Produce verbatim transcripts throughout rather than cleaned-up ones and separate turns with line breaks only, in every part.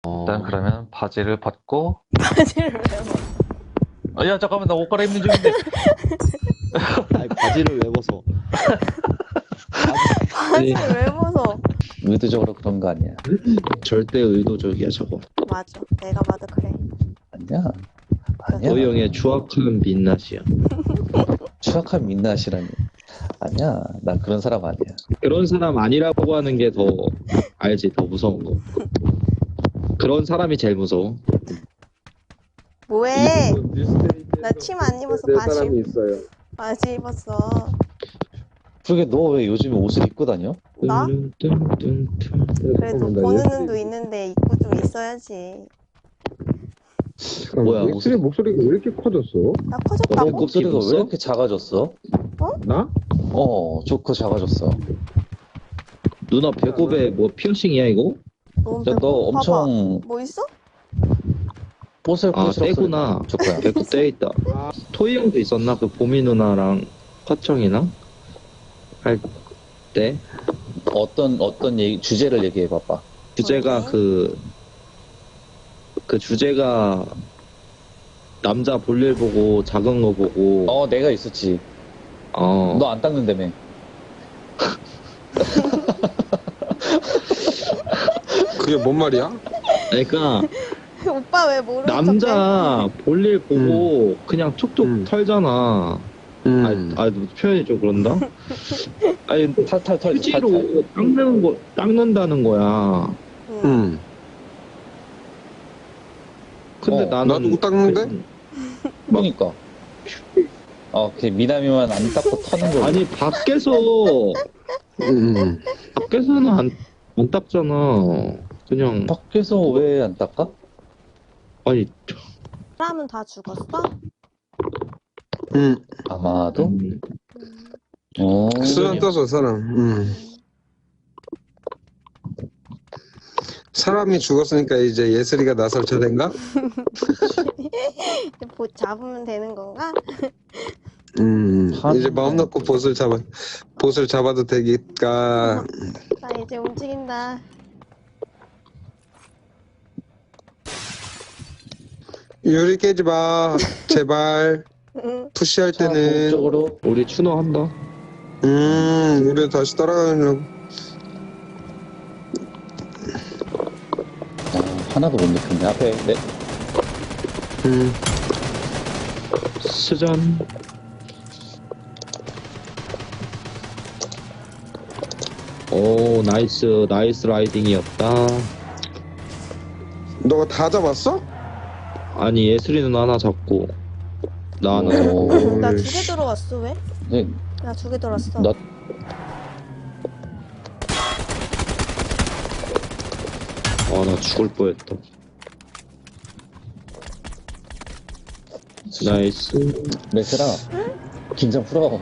일단 그러면 바지를 벗고.
바지를 왜 벗어?
아, 야 잠깐만 나 옷 갈아입는 중인데.
아니 바지를 왜 벗어? 바지
바지를 왜 벗어?
의도적으로 그런 거 아니야.
절대 의도적이야 저거.
맞아. 내가 봐도 그래.
아니야. 아니야.
도영의 추악한 민낯이야.
추악한 민낯이라니. 아니야. 난 그런 사람 아니야.
그런 사람 아니라고 하는 게 더 알지, 더 무서운 거. 그런 사람이 제일 무서워.
뭐해? 나 침 안 입어서 바지.
사람이 있어요.
바지 입었어.
그러게 너 왜 요즘에 옷을 입고 다녀?
나?
뚠뚠뚠뚠.
그래도
잠깐만, 나
보는
예쁘게-
눈도 있는데 입고 좀 있어야지.
뭐야,
뭐야? 엑스의 목소리가 왜 이렇게 커졌어?
나
너
커졌다고?
목소리가 왜
입었어?
이렇게 작아졌어?
나?
어, 좋고 작아졌어.
누나 배꼽에 뭐 피어싱이야 이거?
너무
야,
배고-
너
봐봐.
엄청
뭐 있어?
뽀슬뽀
아
슬
떼구나.
좋고요.
배꼽 떼 있다. 토이 형도 있었나? 그 보미 누나랑 화청이랑 할 때
어떤 어떤 얘기 주제를 얘기해 봐봐.
주제가
뭐지?
그, 그 주제가 남자 볼일 보고 작은 거 보고
어, 내가 있었지.
어,
너 안 닦는다며.
그게 뭔 말이야?
그러니까
오빠 왜 모르는 척해?
남자 볼일 보고 그냥 툭툭
음.
털잖아.
음.
아, 아 표현이 좀 그런다. 아니
탈탈 털.
휴지로
탈탈.
닦는 거 닦는다는 거야.
응.
음.
근데
어,
나는
나도 못 닦는데?
그러니까. 어, 그 미남이만 안 닦고 터는 거.
아니 밖에서
음.
밖에서는 안, 안 닦잖아. 그냥
밖에서 왜 안 닦아?
아니
사람은 다 죽었어?
음.
아마도.
음,
어.
수련 떠서 사람. 음. 사람이 죽었으니까 이제 예슬이가 나설 차례인가?
보 잡으면 되는 건가?
음.
한-
이제 마음 놓고 보스를 잡아 보스를 잡아도 되니까.
나 이제 움직인다.
유리 깨지 마. 제발.
응.
푸시할
자,
때는.
동쪽으로.
우리 추노 한다.
음. 우리 다시 따라가려고.
아, 하나도 못 느꼈네. 앞에 네.
음.
스전. 오 나이스 나이스 라이딩이었다.
너가 다 잡았어?
아니 예슬이 누나 하나 잡고 나 하나.
오.
나 두 개 들어왔어 왜?
네,
나 두 개 들어왔어.
나
아나 죽을 뻔했다. 나이스.
메스라. 긴장 풀어.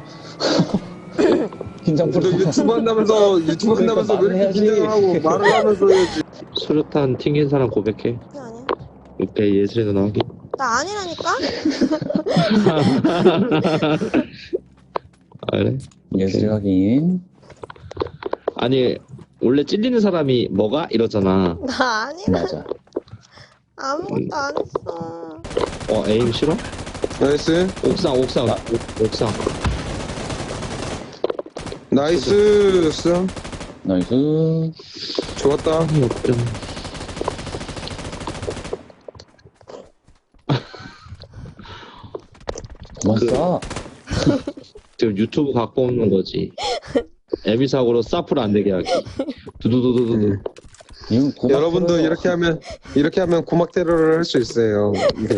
긴장
너
풀어.
유튜브 한다면서 유튜브
그러니까
한다면서 왜 이렇게
말해야지.
긴장을 하고 말을 하면서 해야지.
수류탄 튕긴 사람 고백해.
그게 아니야.
오케이 예슬이 누나 하기.
나 아니라니까?
아, 그래?
예술 확인.
아니 원래 찔리는 사람이 뭐가 이러잖아.
나 아니라.
맞아.
아무것도 안 했어.
어 에임 싫어?
나이스.
옥상 옥상
아.
옥- 옥상.
나이스. 스
나이스.
좋았다.
아니 없죠.
그만
그-
쏴.
지금 유튜브 갖고 오는 거지. 에비사고로 사프를 안 되게 하기. 두두두두두두.
음.
이건 고막
여러분도
테러.
이렇게 하면 이렇게 하면 고막 테러를 할 수 있어요.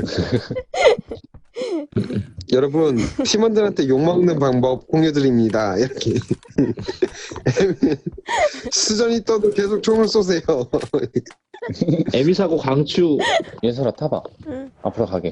여러분 팀원들한테 욕 먹는 방법 공유드립니다. 이렇게 수전이 떠도 계속 총을 쏘세요.
에비사고 강추.
예술아 타봐.
응.
앞으로 가게.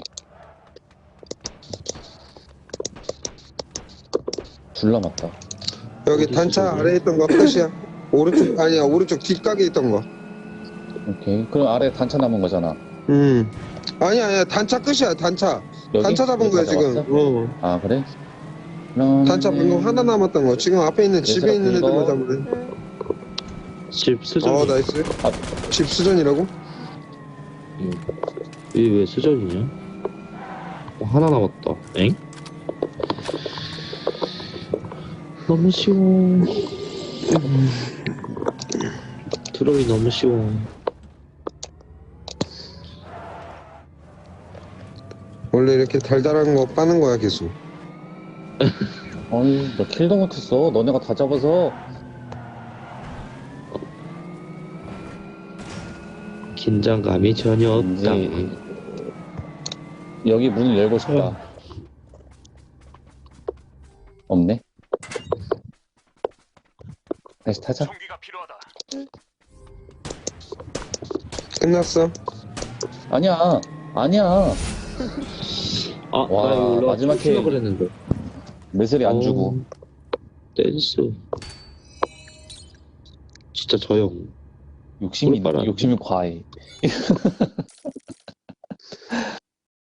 둘 남았다.
여기
어디
단차
있어,
아래에 있던 거 끝이야. 오른쪽 아니야 오른쪽 뒷가게 있던 거.
오케이. 그럼 아래 단차 남은 거잖아.
음 아니야 아니야 단차 끝이야 단차.
여기?
단차 잡은
여기
거야
다
지금.
잡았어?
어.
아 그래? 그럼
단차 방금 하나 남았던 거. 지금 앞에 있는 집에
얘들아,
있는
그거-
애들만 잡으래.
응.
집 수정.
어 나이스.
아.
집 수전이라고?
응. 이게 왜 수전이냐? 어, 하나 남았다. 엥? 너무 쉬워. 음. 트롤이 너무 쉬워.
원래 이렇게 달달한 거 빠는 거야 계속.
아니, 나 킬도 못했어. 너네가 다 잡아서.
긴장감이 전혀 없다.
이제 여기 문을 열고 싶다. 없네. 다시 타자.
총기가 필요하다.
끝났어.
아니야, 아니야.
아,
와,
나 이거 올라가
마지막
춤추려
게임.
그랬는데.
매슬이 안
어,
주고.
댄스. 진짜 저 형.
욕심이,
꿀빨아.
욕심이 과해.